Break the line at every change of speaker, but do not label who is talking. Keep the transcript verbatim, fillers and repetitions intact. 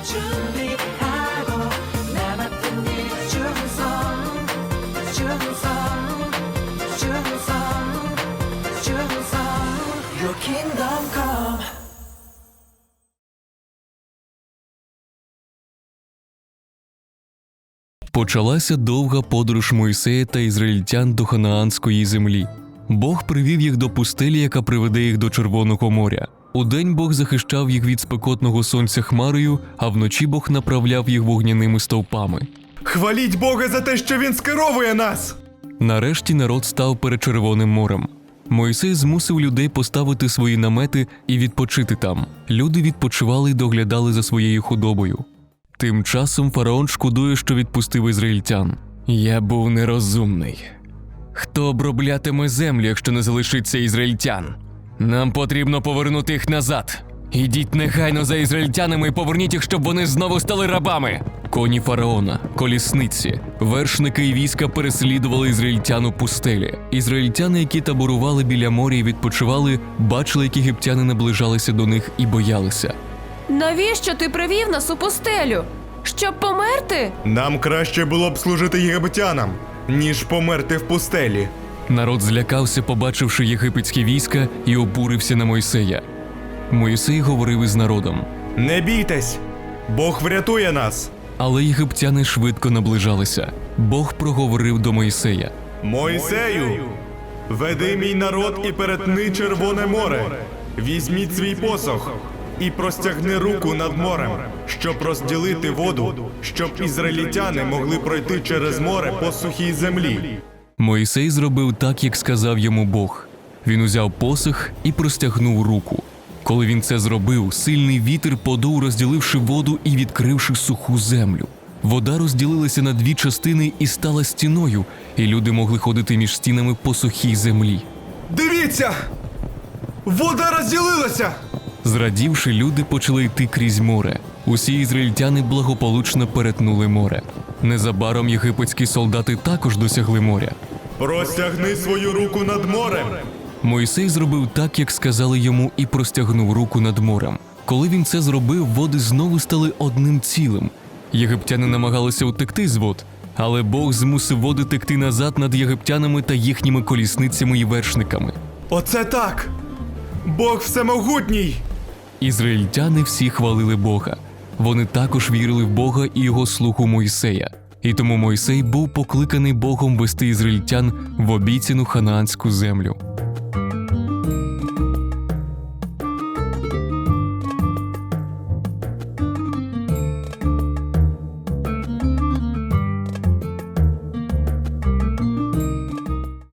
준비하고 나 맡은 일 충성 충성 충성 충성 Your kingdom come.
Почалася довга подорож Мойсея та ізраїльтян до ханаанської землі. Бог привів їх до пустелі, яка приведе їх до Червоного моря. Удень Бог захищав їх від спекотного сонця хмарою, а вночі Бог направляв їх вогняними стовпами.
Хваліть Бога за те, що Він скеровує нас!
Нарешті народ став перед Червоним морем. Мойсей змусив людей поставити свої намети і відпочити там. Люди відпочивали й доглядали за своєю худобою. Тим часом фараон шкодує, що відпустив ізраїльтян. «Я був нерозумний. Хто оброблятиме землю, якщо не залишиться ізраїльтян? Нам потрібно повернути їх назад. Ідіть негайно за ізраїльтянами і поверніть їх, щоб вони знову стали рабами». Коні фараона, колісниці, вершники і війська переслідували ізраїльтян у пустелі. Ізраїльтяни, які таборували біля моря і відпочивали, бачили, як єгиптяни наближалися до них і боялися.
Навіщо ти привів нас у пустелю? Щоб померти?
Нам краще було б служити єгиптянам, ніж померти в пустелі.
Народ злякався, побачивши єгипетські війська, і обурився на Мойсея. Мойсей говорив із народом.
Не бійтесь! Бог врятує нас!
Але єгиптяни швидко наближалися. Бог проговорив до Мойсея.
Мойсею, веди мій народ і перетни Червоне море. Візьміть свій посох і простягни руку над морем, щоб розділити воду, щоб ізраїльтяни могли пройти через море по сухій землі.
Мойсей зробив так, як сказав йому Бог. Він узяв посох і простягнув руку. Коли він це зробив, сильний вітер подув, розділивши воду і відкривши суху землю. Вода розділилася на дві частини і стала стіною, і люди могли ходити між стінами по сухій землі.
Дивіться! Вода розділилася!
Зрадівши, люди почали йти крізь море. Усі ізраїльтяни благополучно перетнули море. Незабаром єгипетські солдати також досягли моря.
Простягни свою руку над морем!
Мойсей зробив так, як сказали йому, і простягнув руку над морем. Коли він це зробив, води знову стали одним цілим. Єгиптяни намагалися утекти з вод, але Бог змусив води текти назад над єгиптянами та їхніми колісницями і вершниками.
Оце так! Бог всемогутній!
Ізраїльтяни всі хвалили Бога. Вони також вірили в Бога і його слугу Мойсея. І тому Мойсей був покликаний Богом вести ізраїльтян в обіцяну ханаанську землю.